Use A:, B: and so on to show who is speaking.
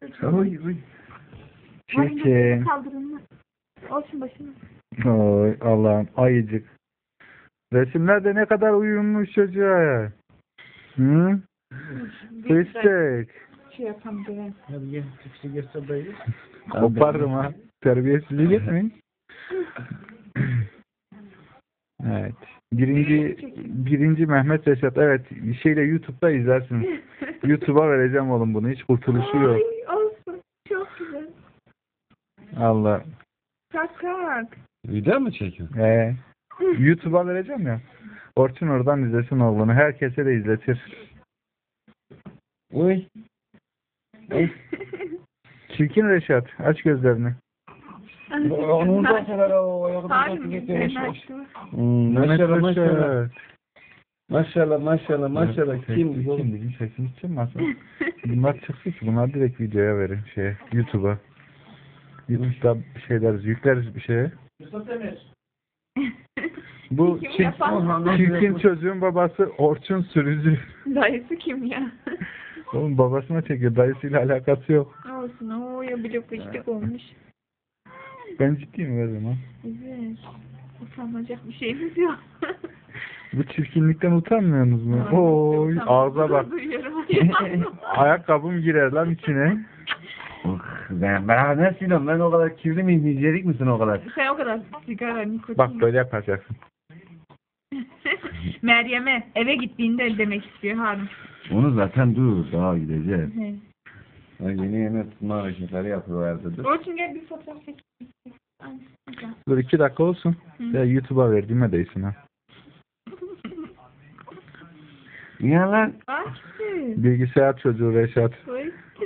A: Oy oy.
B: Çirkin.
A: Çirkin.
B: Kaldırın. Olsun başına.
A: Oy Allah'ım ayıcık. Resimlerde ne kadar uyumlu çocuğa ya. Hı? Fıstık.
B: Şey yapalım böyle.
C: Hadi gel. Çıkışı göster dayı.
A: Kopardım ha. Terbiyesizlik etmeyin. Evet. Birinci Mehmet Reşat. Evet. Şeyle YouTube'da izlersiniz. YouTube'a vereceğim oğlum bunu. Hiç kurtuluşu yok.
B: Ay, olsun. Çok güzel.
A: Allah.
B: Kalk kalk.
C: Video mu çekiyorsun?
A: YouTube'a vereceğim ya. Orçun oradan izlesin oğlunu. Herkese de izletir.
C: Uy.
A: Çirkin Reşat. Aç gözlerini.
C: Onun da sever o ayakta
B: Hayır,
C: getirmiş.
B: ben açtım.
C: Maşallah
A: Mehmet
C: maşallah.
A: Reşat.
C: Maşallah. Kim?
A: Kim bizim sesimiz çıkmasın. Bunlar çıksın ki bunlar direkt videoya verin YouTube'a. YouTube'da bir şeyler yükleriz bir şeye. Bu
B: Kim yapan?
A: çirkin çocuğun babası Orçun Sürücü.
B: Dayısı kim ya?
A: Oğlum babasına çekiyor. Dayısıyla alakası yok.
B: Olsun. O ya bile fıştık olmuş.
A: Ben ciddiyim o zaman.
B: Evet. Utanacak bir şeyimiz yok.
A: Bu çirkinlikten utanmıyorsunuz mu? Oy ağza bak. Ayakkabım girer lan içine.
C: Ben ne silahım? Ben o kadar kirli miyim? Nicelik misin o kadar?
B: Sen o kadar sigara, nikotin.
A: Bak böyle yapacaksın.
B: Meryem'e eve gittiğinde demek istiyor Harun.
C: Onu zaten dur. Daha gideceğiz.
B: He.
C: Yeni tutma hareketleri yapıyorlardı. Dur.
B: Orçun gel bir fotoğraf çek.
A: Dur 2 dakika olsun. Ya YouTube'a verdiğime değsin ha.
C: Ya lan.
B: Açtı.
A: Bilgisayar çocuğu Reşat.
B: Oy.